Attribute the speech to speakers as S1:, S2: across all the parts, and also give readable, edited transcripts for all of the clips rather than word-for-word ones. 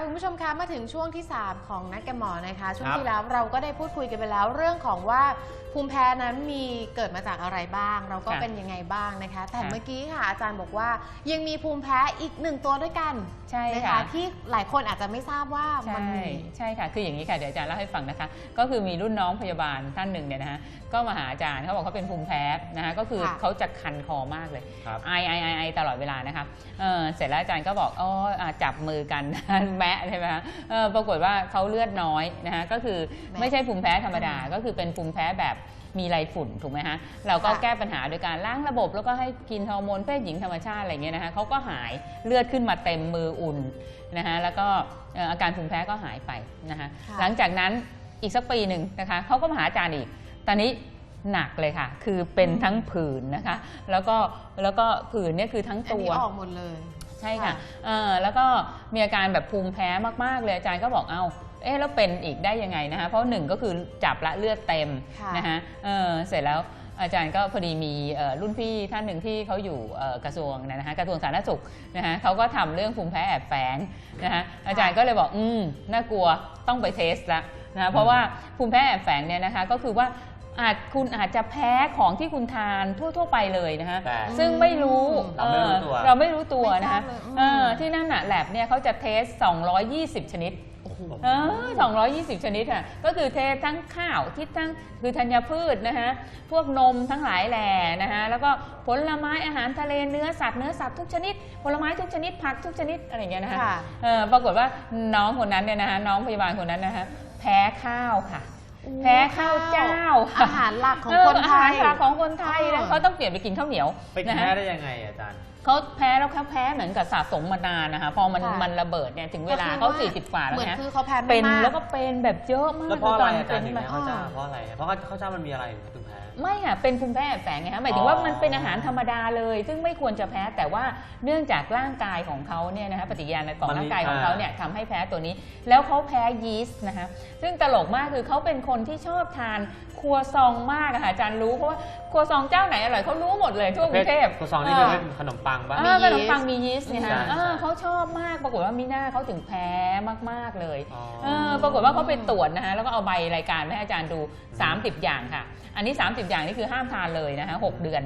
S1: คุณผู้ชมคะมาถึงช่วงที่3ของนัดกับหมอนะคะช่วงที่แล้วเราก็ได้พูดคุยกันไปแล้วเรื่องของว่าภูมิแพ้นั้นมีเกิดมาจากอะไรบ้างเราก็เป็นยังไงบ้างนะคะแต่เมื่อกี้ค่ะอาจารย์บอกว่ายังมีภูมิแพ้อีก1ตัวด้วยกัน
S2: ใช่
S1: ค่ะที่หลายคนอาจจะไม่ทราบว่ามันมี
S2: ใช่ค่ะคืออย่างนี้ค่ะเดี๋ยวอาจารย์เล่าให้ฟังนะคะก็คือมีรุ่นน้องพยาบาลท่านหนึ่งเนี่ยนะคะก็มาหาอาจารย์เขาบอกเขาเป็นภูมิแพ้นะคะก็คือเขาจะคันคอมากเลยไอตลอดเวลานะคะเสร็จแล้วอาจารย์ก็บอกจับมือกันแมะใช่ไหมคะปรากฏว่าเขาเลือดน้อยนะคะก็คือไม่ใช่ภูมิแพ้ธรรมดาก็คือเป็นภูมิแพ้แบบมีไรฝุ่นถูกไหมฮะเราก็แก้ปัญหาโดยการล้างระบบแล้วก็ให้กินฮอร์โมนเพศหญิงธรรมชาติอะไรเงี้ยนะคะเขาก็หายเลือดขึ้นมาเต็มมืออุ่นนะคะแล้วก็อาการภูมิแพ้ก็หายไปนะคะหลังจากนั้นอีกสักปีหนึ่งนะคะเขาก็มาหาอาจารย์อีกตอนนี้หนักเลยค่ะคือเป็นทั้งผื่นนะคะแล้วก็ผื่นเนี่ยคือทั้งตัว
S1: ออกหมดเลย
S2: ใช่ค่ะแล้วก็มีอาการแบบภูมิแพ้มากๆเลยอาจารย์ก็บอกแล้วเป็นอีกได้ยังไงนะคะเพราะ1ก็คือจับละเลือดเต็มนะคะเสร็จแล้วอาจารย์ก็พอดีมีรุ่นพี่ท่านหนึ่งที่เขาอยู่กระทรวงนะคะกระทรวงสาธารณสุขนะคะเขาก็ทำเรื่องภูมิแพ้แอบแฝงนะคะอาจารย์ก็เลยบอกน่ากลัวต้องไปเทสละนะเพราะว่าภูมิแพ้แอบแฝงเนี่ยนะคะก็คือว่าคุณอาจจะแพ้ของที่คุณทานทั่วไปเลยนะคะซึ่งไม่รู้เราไม่รู้ตัวนะคะที่นั่นแลบเนี่ยเขาจะเทส220ชนิด220ชนิดค่ะก็คือเททั้งข้าวที่ทั้งคือธัญพืชนะคะพวกนมทั้งหลายแหล่นะคะแล้วก็ผลไม้อาหารทะเลเนื้อสัตว์ทุกชนิดผลไม้ทุกชนิดผักทุกชนิดอะไรอย่างเงี้ยนะคะปรากฏว่าน้องคนนั้นเนี่ยนะคะน้องพยาบาลคนนั้นนะคะแพ้ข้าวค่ะแพ้ข้าวเจ้า
S1: อาหารหลักของคนไทย
S2: อาหารหลักของคนไทยนะเขาต้องเปลี่ยนไปกินข้าวเหนียว
S3: ไปแพ้ได้ยังไงอาจารย์
S2: เขาแพ้แล้วเขาแพ้เหมือนกับสะสมมานานนะคะพอมันระเบิดเนี่ยถึงเวลาเขา40 กว่าแล้วนะเป็นแล้วก็เป็นแบบเยอะมาก
S3: แล้วเพราะอะไรอาจารย์ถึงแพ้ข้าวเจ้าเพราะอะไรเพราะข้าวเจ้ามันมีอะไรถึงแพ้
S2: ไม่ค่ะเป็นภูมิแพ้แอบแฝงไงคะหมายถึงว่ามันเป็นอาหารธรรมดาเลยซึ่งไม่ควรจะแพ้แต่ว่าเนื่องจากร่างกายของเขาเนี่ยนะคะปฏิกิริยาของร่างกายของเขาเนี่ยทำให้แพ้ตัวนี้แล้วเขาแพ้ยีสต์นะคะซึ่งตลกมากคือเขาเป็นคนที่ชอบทานครัวซองมากค่ะอาจารย์รู้เพราะว่าครัวซองเจ้าไหนอร่อยเขารู้หมดเลยทั่วกรุงเทพ
S3: ครัวซองนี่เป็นขนมปังป่ะ
S2: ขนมปังมียีสต์เนี่ยค่ะเขาชอบมากปรากฏว่ามีหน้าเขาถึงแพ้มากๆเลยปรากฏว่าเขาไปตรวจนะคะแล้วก็เอาใบรายการให้อาจารย์ดู30อย่างค่ะอันนี้30อย่างนี่คือห้ามทานเลยนะคะ6 เดือน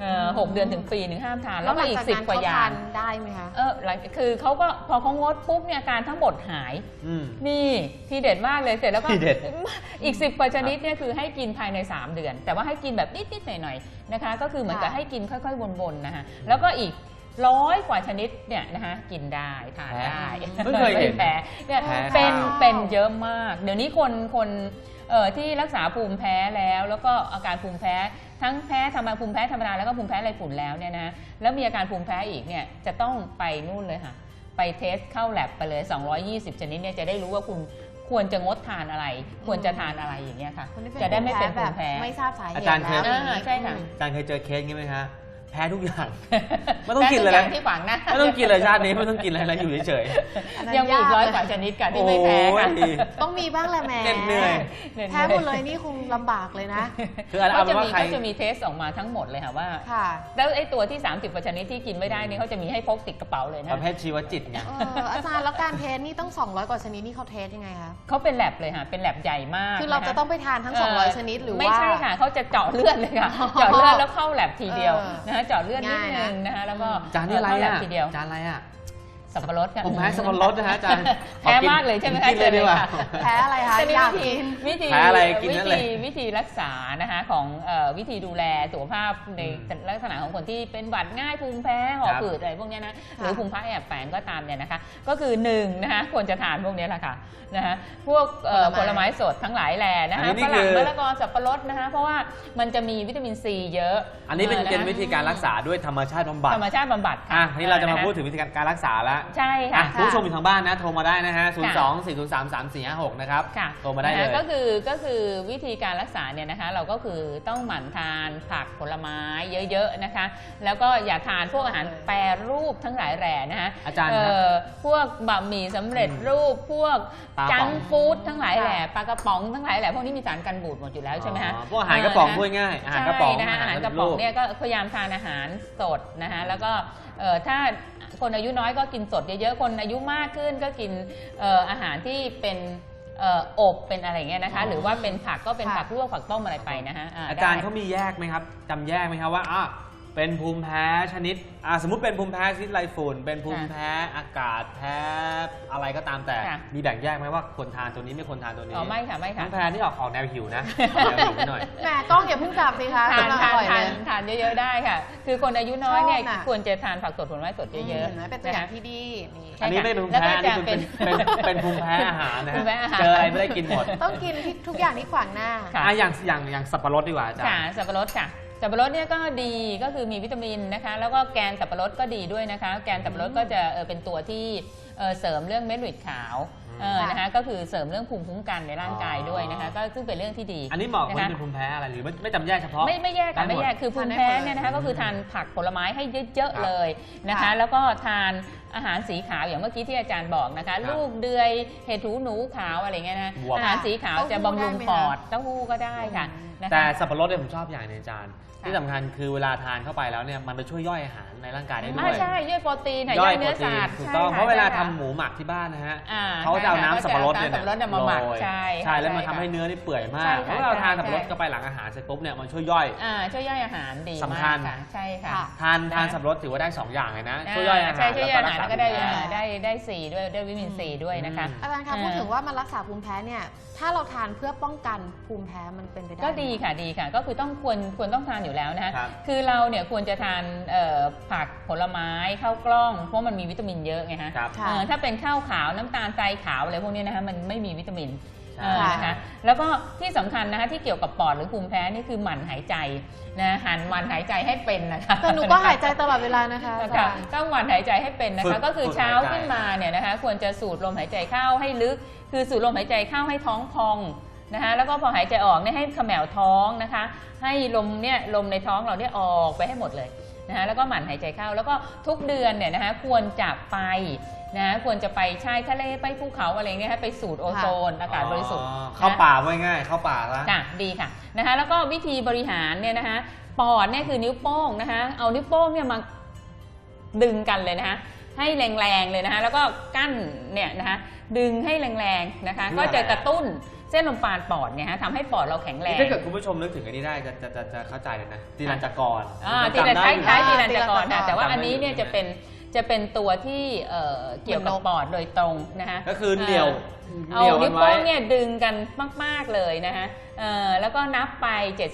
S2: 6 เดือนถึงปีหนึ่งห้ามทานแล้วก็อีก10 กว่าอย่าง
S1: ได้ไหมคะ
S2: คือเขาก็พอเขางดปุ๊บเนี่ยอาการทั้งหมดหายนี่ทีเด็ดมากเลยเสร็จแล้วก็อีก10 กว่าชนิดเนี่ยคือให้กินภายใน3 เดือนแต่ว่าให้กินแบบนิดๆหน่อยๆนะคะก็คือเหมือนกับให้กินค่อยๆวนๆนะคะแล้วก็อีก100 กว่าชนิดเนี่ยนะคะกินได้ทานได้
S3: ไม่เคยเห็น
S2: แพ้เนี่ยเป็นเยอะมากเดี๋ยวนี้คนที่รักษาภูมิแพ้แล้วก็อาการภูมิแพ้ทั้งแพ้ภูมิแพ้ธรรมดาแล้วก็ภูมิแพ้ไรฝุ่นแล้วเนี่ยนะแล้วมีอาการภูมิแพ้อีกเนี่ยจะต้องไปนู่นเลยค่ะไปเทสเข้าแลบไปเลย220ชนิดเนี่ยจะได้รู้ว่าคุณควรจะงดทานอะไรควรจะทานอะไรอย่างเงี้ยค่ะจะได้ไม่เป็นภูมิแพ้
S1: ไม่ทราบสาเหตุ
S3: อาจารย์เคย
S2: ใช่ค่ะ
S3: อาจารย์เคยเจอเคสงี้ไหมคะแพ้ทุกอย่างไม่ต้องกินเลยนะ
S2: ที่ฝังนะ
S3: ไม่ต้องกินเลยชาตินี้ไม่ต้องกินอะไรแล้วอยู่เฉย
S2: ๆยังมีอีก100 กว่าชนิดกันที่ไม่แพ้ค่ะ
S1: ต้องมีบ้างแหละแม่แพ้หมดเลยนี่คงลำบากเลยนะ
S3: คือ
S2: เขาจะมีเทสออกมาทั้งหมดเลยค่ะว่าแล้วไอ้ตัวที่30 กว่าชนิดที่กินไม่ได้นี่เขาจะมีให้พกติดกระเป๋าเลยนะ
S3: ประเภทชีวจิตไง
S1: อาจารย์แล้วการเทสนี่ต้อง200 กว่าชนิดนี่เขาเทสยังไงคะ
S2: เขาเป็นแลบเลยค่ะเป็นแลบใหญ่มาก
S1: คือเราจะต้องไปทานทั้ง200ชนิดหรือว่า
S2: ไม่ใช่ค่ะเขาจะเจาะเลือดเลยค่ะเจาะเลือดแล้วเข้าแลบทีเดียวนะคะเจาะเลือดนิดนึงนะคะแล้วก็
S3: จานนี่อะไรอ่ะจานอะไรอ่ะ
S2: สับปะรดค่ะ
S3: ผมแพ้สับปะรดนะฮะอาจารย์
S2: แพ้มากเลยใช่ไหมคะ
S3: เลยดีกว่า
S1: แพ้อะไรคะ
S2: วิธีรักษานะคะของวิธีดูแลสุขภาพในลักษณะของคนที่เป็นหวัดง่ายภูมิแพ้หอบหืดอะไรพวกนี้นะหรือภูมิแพ้แอบแฝงก็ตามเนี่ยนะคะก็คือ1นะคะควรจะทานพวกนี้แหละค่ะนะคะพวกผลไม้สดทั้งหลายแหล่นะคะฝรั่งมะละกอสับปะรดนะคะเพราะว่ามันจะมีวิตามินซีเยอะ
S3: อันนี้เป็นวิธีการรักษาด้วยธรรมชาติบำบัดค่ะนี่เราจะมาพูดถึงวิธีการรักษาแล้ว
S2: ใช่ค่ะ
S3: ผู้ชมอยู่ทางบ้านนะโทรมาได้นะฮะ02-403-3456นะครับโทรมาได้เลย
S2: ก็คือวิธีการรักษาเนี่ยนะคะเราก็คือต้องหมั่นทานผักผลไม้เยอะๆนะคะแล้วก็อย่าทานพวกอาหารแปรรูปทั้งหลายแหล่นะคะ
S3: อาจารย์
S2: พวกบะหมี่สำเร็จรูปพวกจังฟู้ดทั้งหลายแหล่ปลากระป๋องทั้งหลายแหล่พวกนี้มีสารกันบูดหมดอยู่แล้วใช่ไหมคะ
S3: พวกอาหารกระป๋องพูดง่ายอาหารกระป๋อง
S2: อาหารกระป๋องเนี่ยก็พยายามทานอาหารสดนะคะแล้วก็ถ้าคนอายุน้อยก็กินสดเยอะๆคนอายุมากขึ้นก็กินอาหารที่เป็นอบเป็นอะไรเงี้ยนะคะหรือว่าเป็นผักก็เป็นผักลวกผักต้มอะไรไปนะฮะ
S3: อาจารย์เขามีแยกไหมครับจำแยกไหมครับว่าเป็นภูมิแพ้ชนิดสมมุติเป็นภูมิแพ้ชนิดไรฝุ่นเป็นภูมิแพ้อากาศแพ้อะไรก็ตามแต่มีแบ่งแยกไหมว่าควรทานตัวนี้ไม่ควรทานตัวนี้
S2: ไม่ค่ะไม่ค่ะ
S3: ภูมิแพ้นี่ออกแนวหิวนะแนวหิวหน่อย
S1: แหมกล้องอย่าเพิ่งจับสิคะ
S2: ทานเยอะๆได้ค่ะคือคนอายุน้อยเนี่ยควรจะทานผักสดผลไม้สดเยอะ
S1: ๆเป็นตัวอย่างที่ดี
S3: อันนี้ไม่เป็นภูมิแพ้นี่เป็นภูมิแพ้อาหารนะเจออะไรไม่ได้กินหมด
S1: ต้องกินทุกอย่างที่ขวางหน้า
S3: อย่างสับปะรดดีกว่าอาจารย์
S2: สับปะรดค่ะสับปะรดเนี่ยก็ดีก็คือมีวิตามินนะคะแล้วก็แกนสับปะรดก็ดีด้วยนะคะแกนสับปะรดก็จะเป็นตัวที่เสริมเรื่องเม็ดเลือดขาวนะคะก็คือเสริมเรื่องภูมิคุ้มกันในร่างกายด้วยนะคะก็ซึ่งเป็นเรื่องที่ดี
S3: อันนี้เหมาะคนเป็นภูมิแพ้อะไรหรือไม่จำแยกเฉพาะ
S2: ไม่แยกค่ะไม่แยกคือภูมิแพ้เนี่ยนะคะก็คือทานผักผลไม้ให้เยอะๆเลยนะคะแล้วก็ทานอาหารสีขาวอย่างเมื่อกี้ที่อาจารย์บอกนะคะลูกเดือยเห็ดหูหนูขาวอะไรเงี้ยนะอาหารสีขาวจะบำรุงปอดเต้าหู้ก็ได้ค่ะ
S3: แต่สับปะรดเนี่ยผมชอบอย่างนึงอาจารย์ที่สำคัญคือเวลาทานเข้าไปแล้วเนี่ยมันไปช่วยย่อยอาหารในร่างกายได้ด้วย
S2: ใช่ย่อยโปรตีนย่อยเนื้อสัตว์
S3: ถูกต้องเพราะเวลาทำหมูหมักที่บ้านนะฮะเขาจะเอาน้ำสับปะรดเนี่ย
S2: มาหมักใ
S3: ช่แล้วมันทำให้เนื้อนี่เปื่อยมากเพราะเราทานสับปะรดเข้าไปหลังอาหารเสร็จปุ๊บเนี่ยมันช่วยย่อย
S2: ช่วยย่อยอาหารดี
S3: สำคัญ
S2: ใช่ค่ะ
S3: ทานสับปะรดถือว่าได้2อย่างเลยนะช่วยย่อยอาหาร
S2: แล้วก็ได้สีด้วยได้วิตามินซีด้วยนะคะ
S1: อาจารย์คะพูดถึงว่ามันรักษาภูมิแพ้เนี่ยถ้าเราทานเพื่อป้องกันภูมิแพ้มันเป็นไปได้
S2: ก็ดีค่ะก็คือควรต้องทานอยู่แล้วนะคะคือเราเนี่ยควรจะทานผักผลไม้ข้าวกล้องเพราะมันมีวิตามินเยอะไงฮะถ้าเป็นข้าวขาวน้ำตาลทรายขาวอะไรพวกนี้นะคะมันไม่มีวิตามินนะคะแล้วก็ที่สำคัญนะคะที่เกี่ยวกับปอดหรือภูมิแพ้นี่คือหมั่นหายใจนะหมั่นหายใจให้เป็นนะคะ
S1: แต่หนูก็หายใจตลอดเวลานะคะ
S2: ต้องหมั่นหายใจให้เป็นนะคะก็คือเช้าขึ้นมาเนี่ยนะคะควรจะสูดลมหายใจเข้าให้ลึกคือสูดลมหายใจเข้าให้ท้องพองนะคะแล้วก็พอหายใจออกเนี่ยให้เขม่าท้องนะคะให้ลมในท้องเราเนี่ยออกไปให้หมดเลยนะคะแล้วก็หมั่นหายใจเข้าแล้วก็ทุกเดือนเนี่ยนะคะควรจะไปนะควรจะไปชายทะเลไปภูเขาอะไรเงี้ยไปสูดโอโซนอากาศบริสุทธิ์
S3: เข้าป่าไว้ง่ายเข้าป่าละ
S2: ดีค่ะนะคะแล้วก็วิธีบริหารเนี่ยนะคะปอดเนี่ยคือนิ้วโป้งนะคะเอานิ้วโป้งเนี่ยมาดึงกันเลยนะคะให้แรงๆเลยนะคะแล้วก็กั้นเนี่ยนะคะดึงให้แรงๆนะคะก็จะกระตุ้นเส้นลมปราณปอดเนี่ยฮะทำให้ปอดเราแข็งแรง
S3: ถ้าเกิดคุณผู้ชมนึกถึงอันนี้ได้จะเข้าใจเลยนะตีรัญจกร
S2: ตีรัญคล้ายตีรัญจกรแต่ว่าอันนี้เนี่ยจะเป็นตัวที่เกี่ยวกับปอดโดยตรงนะคะ
S3: ก็คือเหนี่ยว
S2: เอานิ้วโป้งเนี่ยดึงกันมากๆเลยนะคะแล้วก็นับไป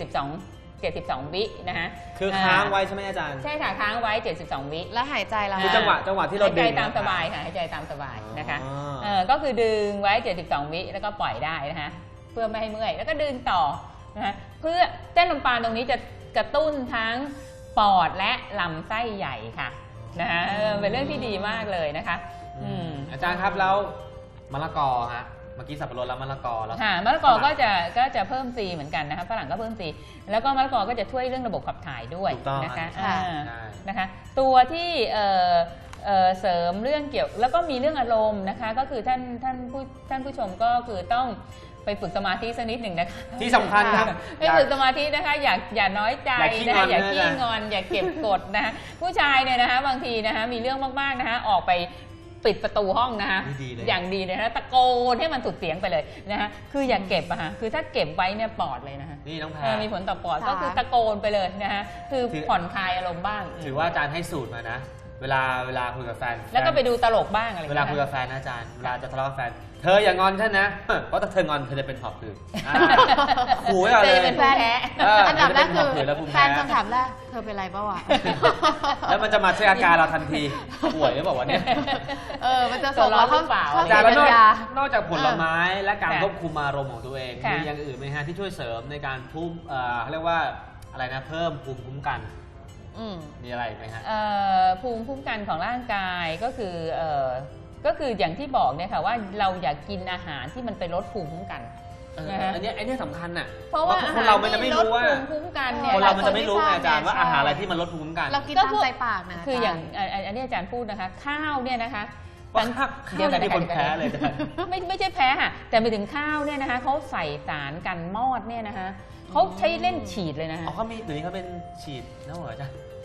S2: 72วินะคะ
S3: คือค้างไว้ใช่ไหมอาจารย์
S2: ใช่ค่ะค้างไว้72วิ
S1: แล้วหายใจแล้ว
S3: คือจังหวะที่เรา
S2: ดึงหายใจตามสบายค่ะหายใจตามสบายนะคะก็คือดึงไว้72วิแล้วก็ปล่อยได้นะคะเพื่อไม่ให้เมื่อยแล้วก็ดึงต่อนะคะเพื่อเส้นลมปราณตรงนี้จะกระตุ้นทั้งปอดและลำไส้ใหญ่ค่ะนะคะเป็นเรื่องที่ดีมากเลยนะคะ
S3: อาจารย์ครับแล้วมะละกอฮะเมื่อกี้สับปะรดแล้วมะละกอแล้ว
S2: มะละกอก็จะเพิ่มซีเหมือนกันนะคะฝรั่งก็เพิ่มซีแล้วก็มะละกอก็จะช่วยเรื่องระบบขับถ่ายด้วยนะคะตัวที่เสริมเรื่องเกี่ยวแล้วก็มีเรื่องอารมณ์นะคะก็คือท่านผู้ชมก็คือต้องไปฝึกสมาธิสักนิดหนึ่งนะคะ
S3: ที่สำคัญครับ
S2: ไปฝึกสมาธินะคะอย่าน้อยใจนะคะอย่าขี้งอนอย่าเก็บกดนะคะผู้ชายเนี่ยนะคะบางทีนะคะมีเรื่องมากๆนะคะออกไปปิดประตูห้องนะคะอย่างดีเลยนะตะโกนให้มันสุดเสียงไปเลยนะคะคืออย่าเก็บอะฮะคือถ้าเก็บไว้เนี่ยปอดเลยนะคะ
S3: นี่น้องแพร
S2: มีผลต่อปอดก็คือตะโกนไปเลยนะคะคือผ่อนคลายอารมณ์บ้าง
S3: ถือว่าอาจารย์ให้สูตรมานะเวลาคุยกับแฟน
S2: แล้วก็ไปดูตลกบ้างอะไร
S3: เวลาคุยกับแฟนนะอาจารย์เวลาจะทะเลาะกับแฟนเธออย่างอนฉันนะเพราะถ้าเธองอนเธอจะเป็นหอบหืดขู่ไว้ก่อนเลย
S2: เป็นแฟน
S1: อันดับแรกคือแฟนคำถามแรกเธอเป็นไรเปล่าวะ
S3: แล้วมันจะมาเช็คอาการเราทันทีป่วยหรือเปล่าวะเนี่ย
S1: มันจะส่งเราเข้า
S3: อาจารย์นอกจากผลไม้และการควบคุมอารมณ์ของตัวเองมีอย่างอื่นไหมฮะที่ช่วยเสริมในการเขาเรียกว่าอะไรนะเพิ่มภูมิคุ้มกันมีอะไรไหมฮะ
S2: ภูมิคุ้มกันของร่างกายก็คืออย่างที่บอกเนี่ยค่ะว่าเราอยากกินอาหารที่มันไปลดภูมิคุ้มกัน
S3: อันนี้สำคัญน่ะ
S2: เพราะว่า
S3: คนเรามันจะไม่รู้ว่า
S2: ภูมิคุ้มกันเนี่ย
S3: คนเรามันจะไม่รู้อาจารย์ว่าอาหารอะไรที่มันลดภูมิคุ้มกัน
S1: เรากินตามใจปากนะ
S2: คืออย่างอันนี้อาจารย์พูดนะคะข้าวเนี่ยนะคะ
S3: เดี๋ยวที่คนแพ้เลย
S2: ไม่ใช่แพ้ค่ะแต่ไปถึงข้าวเนี่ยนะคะเขาใส่สารกันมอดเนี่ยนะคะเขาใช้เล่นฉีดเลยนะคะ
S3: เขามีตัวนี้เขาเป็นฉีดนะเหรอจ๊ะ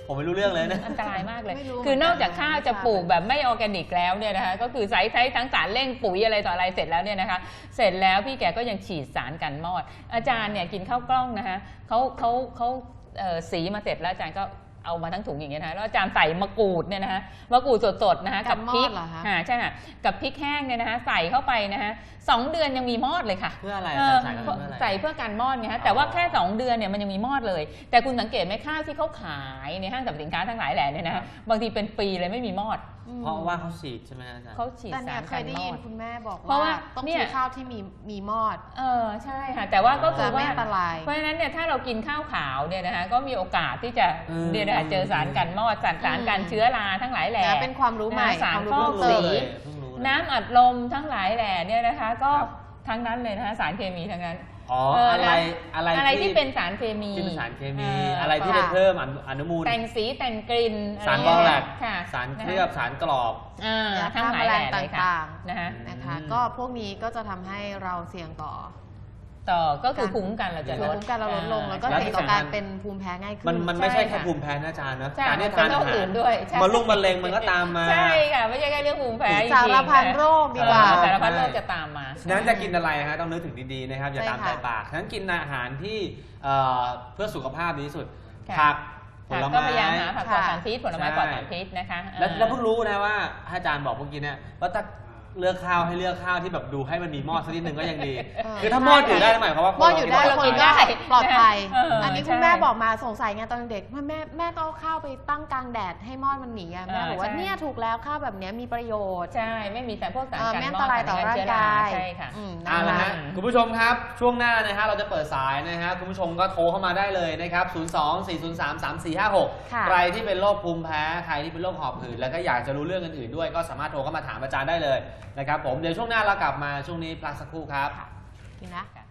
S3: ผมไม่รู้เรื่องเลยนะ
S2: อันตรายมากเลย
S1: ไม่รู้
S2: คือนอกจากข้าวจะปลูก
S1: ไม่ทราบ
S2: แบบไม่ออร์แกนิกแล้วเนี่ยนะคะก็คือใช้ทั้งสารเร่งปุ๋ยอะไรต่ออะไรเสร็จแล้วเนี่ยนะคะเสร็จแล้วพี่แกก็ยังฉีดสารกันมอด อาจารย์เนี่ยกินข้าวกล้องนะคะเขาสีมาเสร็จแล้วอาจารย์ก็เอามาทั้งถุงอย่างเงี้ยนะคะแล้วอาจารย์ใส่มะกรูดเนี่ยนะคะมะกรูดสดๆนะคะกับพริก
S1: กันมอดเหรอคะ
S2: ใช่ค่ะกับพริกแห้งเนี่ยนะคะใส่เข้าไปนะคะ2 เดือนยังมีมอดเลยค่ะ
S3: เพื่ออะไร
S2: เออ
S3: ใส่เข้าไปเพื่ออะไร
S2: ใส่เพื่อการมอดไงฮะแต่ว่าแค่ 2 เดือนเนี่ยมันยังมีมอดเลย แต่คุณสังเกตไหมข้าวที่เขาขายในห้างสรรพสินค้าทั้งหลายแหล่เนี่ยนะ
S3: ครั
S2: ฮะ
S3: บบ
S2: างทีเป็นปีเลยไม่มีมอด
S3: เพราะว่าเขาฉีดใช่ไหมอาจารย์
S2: เขาฉีด
S1: แต่เนี่
S2: สาย ร
S1: เค
S2: กั
S1: ย
S2: น
S1: ได้
S2: มอ
S1: ยิน
S2: ด
S1: คุณแม่บอก
S2: เพราะว่า
S1: ต้อง
S2: เนี่ย
S1: ซื้อข้าวที่มีมอด
S2: ใช่ค่ะแต่ว่าก็คื
S1: จะ
S2: อ
S1: ไม่
S2: ว่า
S1: อันตราย
S2: เพราะฉะนั้นเนี่ยถ้าเรากินข้าวขาวเนี่ยนะคะก็มีโอกาสที่จะ เนี่ยนะคะเจอสารกันมอดสารกันเชื้อราทั้งหลายแหล่
S1: นะเป็นความรู้ใหม่
S2: สาร
S1: ความรู้
S2: ฟอก
S1: เพิ่มเติ
S2: สี
S1: ม
S3: เพิ่งรู้เลย
S2: น้ำอัดลมทั้งหลายแหล่เนี่ยนะคะก็
S3: ครับ
S2: ทั้งนั้นเลยนะคะสารเคมีทั้งนั้น
S3: อ๋อ
S2: อะไรที่เป็นสารเคมี
S3: ที่เป็นสารเคมี
S2: เ
S3: อะไรที่
S1: ค่ะ
S3: จะเพิ่มอนุมูล
S2: แต่งสีแต่งกลิ่น
S3: สาร
S2: ะ
S3: บ
S2: ไย่
S3: อง
S2: ง
S3: แล
S2: เงี้ย
S3: ก
S2: ค่ะ
S3: สารเค
S2: นะ
S3: ลื
S2: คะ
S3: อบสารกรอบ
S1: ยา
S2: ทั้ง
S1: ฆ่า
S2: ห
S1: แม
S2: ลาย
S1: ล
S2: แหล่
S1: ง
S2: เลยค่ะ
S1: ต่าง
S2: นะคะ
S1: ๆนะคะ
S3: อืม
S1: ก็พวกนี้ก็จะทำให้เราเสี่ยงต่อ
S2: ต่อก็คือภูมิคุ้มกันเราจะ
S1: ภู
S2: ล
S1: มิ
S2: ด
S1: คุ้มกันเราลดลงแล้วก็
S3: แล้ว
S1: เสี่ยงต่อการเป็นภูมิแพ้ง่ายขึ้น
S3: มันไม่ใช่แค่
S2: ใช่ค่ะ
S3: ภูมิแพ้นะอาจารย์นะ
S2: ใช่
S3: การที่
S2: เป็
S3: ทาน
S2: นโร
S3: อา
S2: ค
S3: หาร
S2: อื่นด้วยใช่
S3: มะเร็งมันก็ตามมา
S2: ใช่ค่ะไม่ใช่แค่เรื่องภูมิแพ้จริงๆ
S1: สารพันโรคดีกว่า
S2: สารพันโรคจะตามมา
S3: ฉะนั้นจะกินอะไรฮะต้องนึกถึงดีๆนะครับอย่า
S1: ใช่
S3: ตาม
S1: ค่ะ
S3: ใจปากฉะนั้นกินอาหารที่เพื่อสุขภาพดีที่สุด
S2: ค่ะ
S3: ผักผ
S2: ค่ะ
S3: ล
S2: ก็
S3: ไม้
S2: พยายามหาผักปลอด
S1: ค่ะ
S2: สารพิษผลไม้
S3: ใช่
S2: ปลอดสารพิษนะคะ
S3: แล้วเพิ่งรู้นะว่าอาจารย์บอกเมื่อกี้เนี่ยว่าถ้าเลือกข้าวให้เลือกข้าวที่แบบดูให้มันมีหม้อสักนิดนึงก็ยังดี คือถ้าหม้ออยู่ได้หมายความว่า
S1: หม้ออยู่ได้
S2: เรา
S1: คน
S2: กิน
S1: ก็
S2: ได้
S1: ปลอดภัย
S2: อั
S1: นนี้คุณแม่บอกมาสงสัยไงตอนเด็กแม่ก็เอาข้าวไปตั้งกลางแดดให้หม้อมันหนีอะแม่บอกว่าเนี่ยถูกแล้วข้าวแบบเนี้ยมีประโยชน์
S2: ใช่ไม่มีแต่พวกสารกัน
S1: ไม่อัน
S2: ม
S1: ต
S2: อด
S1: รายต่อร่างกาย
S2: ใช่ค่ะ
S1: นะ
S3: เอาละ
S1: คะ
S3: ฮะคุณผู้ชมครับช่วงหน้านะฮะเราจะเปิดสายนะฮะคุณผู้ชมก็โทรเข้ามาได้เลยนะครับ 02-403-3456
S1: ค่ะ
S3: ใครที่เป็นโรคภูมิแพ้ใครที่เป็นโรคหอบหืดแล้วก็อยากจะรู้เรื่องอื่นๆด้วยก็สามารถโทรเข้ามาถามอาจารย์ได้เลยนะครับผมเดี๋ยวช่วงหน้าเรากลับมาช่วงนี้พักสักครู่ครับ
S1: กินนะ
S2: ค่ะ